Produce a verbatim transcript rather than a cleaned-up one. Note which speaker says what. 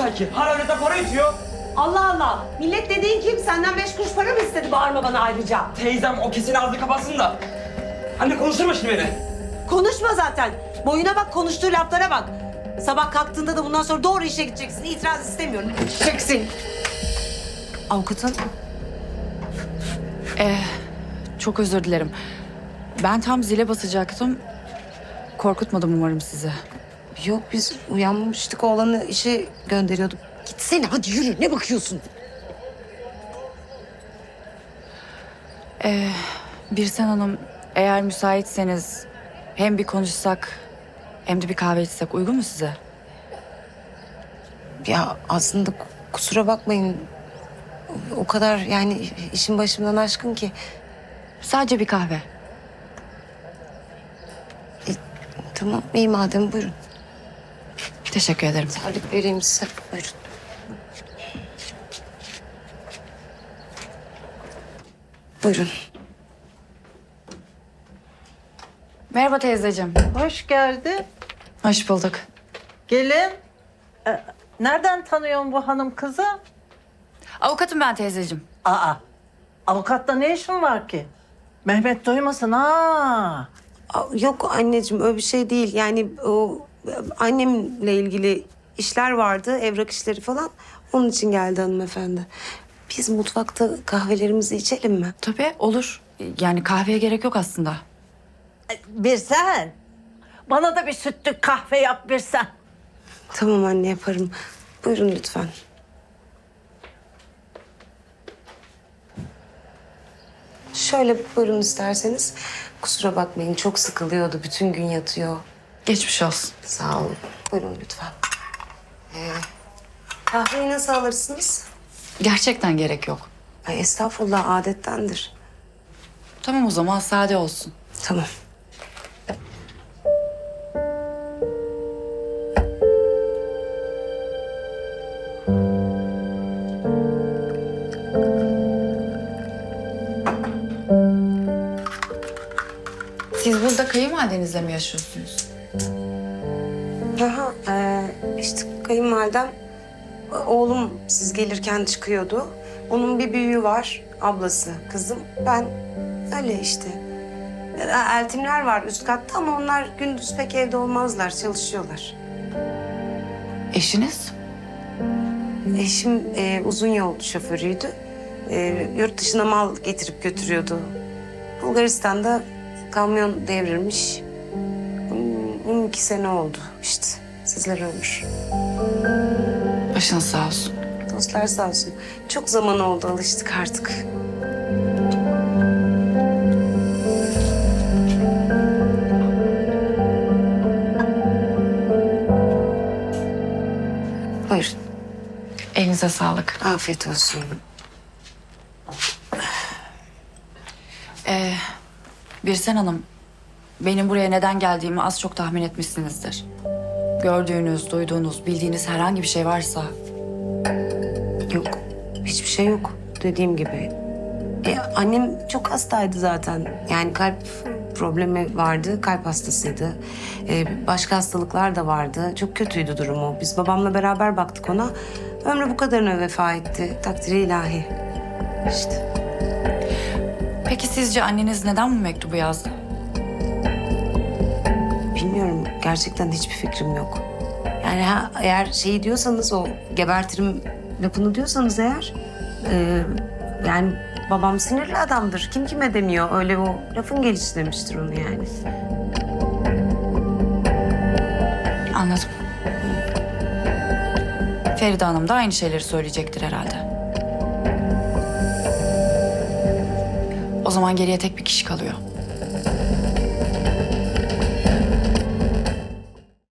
Speaker 1: sanki? Hala öğretmen para itiyor.
Speaker 2: Allah Allah. Millet dediğin kim? Senden beş kuruş para mı istedi? Bağırma bana ayrıca.
Speaker 1: Teyzem o kesin ağzını kapatsın da. Anne konuşturma şimdi beni.
Speaker 2: Konuşma zaten. Boyuna bak, konuştuğu laflara bak. Sabah kalktığında da bundan sonra doğru işe gideceksin. İtiraz istemiyorum. Gideceksin. Avukatın.
Speaker 3: Ee, çok özür dilerim. Ben tam zile basacaktım. Korkutmadım umarım sizi.
Speaker 2: Yok, biz uyanmıştık. Oğlanı işe gönderiyorduk. Gitsene hadi yürü. Ne bakıyorsun?
Speaker 3: Ee, Birsen Hanım, eğer müsaitseniz hem bir konuşsak hem de bir kahve içsek uygun mu size?
Speaker 2: Ya aslında kusura bakmayın. O kadar yani işin başımdan aşkın ki.
Speaker 3: Sadece bir kahve.
Speaker 2: Tamam iyi madem buyurun.
Speaker 3: Teşekkür ederim.
Speaker 2: Tarif vereyim size. Buyurun. Buyurun.
Speaker 3: Merhaba teyzeciğim.
Speaker 4: Hoş geldin.
Speaker 3: Hoş bulduk.
Speaker 4: Gelin. Ee, nereden tanıyorsun bu hanım kızı?
Speaker 3: Avukatım ben teyzeciğim.
Speaker 4: Aa, avukatla ne işin var ki? Mehmet duymasın ha.
Speaker 2: Aa, yok anneciğim öyle bir şey değil. Yani o annemle ilgili işler vardı, evrak işleri falan. Onun için geldi hanımefendi. Biz mutfakta kahvelerimizi içelim mi?
Speaker 3: Tabii olur. Yani kahveye gerek yok aslında.
Speaker 4: Bir sen. Bana da bir sütlü kahve yap bir sen.
Speaker 2: Tamam anne yaparım. Buyurun lütfen. Şöyle buyurun isterseniz. Kusura bakmayın çok sıkılıyordu. Bütün gün yatıyor.
Speaker 3: Geçmiş olsun.
Speaker 2: Sağ olun. Buyurun lütfen. Ee, kahveyi nasıl alırsınız?
Speaker 3: Gerçekten gerek yok.
Speaker 2: Ay, estağfurullah adettendir.
Speaker 3: Tamam o zaman sade olsun.
Speaker 2: Tamam.
Speaker 3: Siz burada kayınvalidenizle mi yaşıyorsunuz?
Speaker 2: Aha, e, işte kayınvalidem, oğlum siz gelirken çıkıyordu. Onun bir büyüğü var, ablası, kızım. Ben öyle işte. E, Eltimler var üst katta ama onlar gündüz pek evde olmazlar, çalışıyorlar.
Speaker 3: Eşiniz?
Speaker 2: Eşim e, uzun yol şoförüydü. E, yurt dışına mal getirip götürüyordu. Bulgaristan'da kamyon devrilmiş. Hmm, on iki sene oldu işte. Sizler ömür.
Speaker 3: Başınız sağ olsun.
Speaker 2: Dostlar sağ olsun. Çok zaman oldu, alıştık artık. Buyurun.
Speaker 3: Elinize sağlık.
Speaker 2: Afiyet olsun.
Speaker 3: Ee, Birsen Hanım, benim buraya neden geldiğimi az çok tahmin etmişsinizdir. Gördüğünüz, duyduğunuz, bildiğiniz herhangi bir şey varsa...
Speaker 2: Yok, hiçbir şey yok. Dediğim gibi. E, annem çok hastaydı zaten. Yani kalp problemi vardı, kalp hastasıydı. E, başka hastalıklar da vardı. Çok kötüydü durumu. Biz babamla beraber baktık ona. Ömrü bu kadarına vefa etti. Takdiri ilahi. İşte.
Speaker 3: Peki sizce anneniz neden bu mektubu yazdı?
Speaker 2: Bilmiyorum. Gerçekten hiçbir fikrim yok. Yani ha, eğer şeyi diyorsanız o gebertirim lafını diyorsanız eğer... E, yani babam sinirli adamdır. Kim kime demiyor. Öyle o lafın gelişi demiştir onu yani.
Speaker 3: Anladım. Feride Hanım da aynı şeyleri söyleyecektir herhalde. O zaman geriye tek bir kişi kalıyor.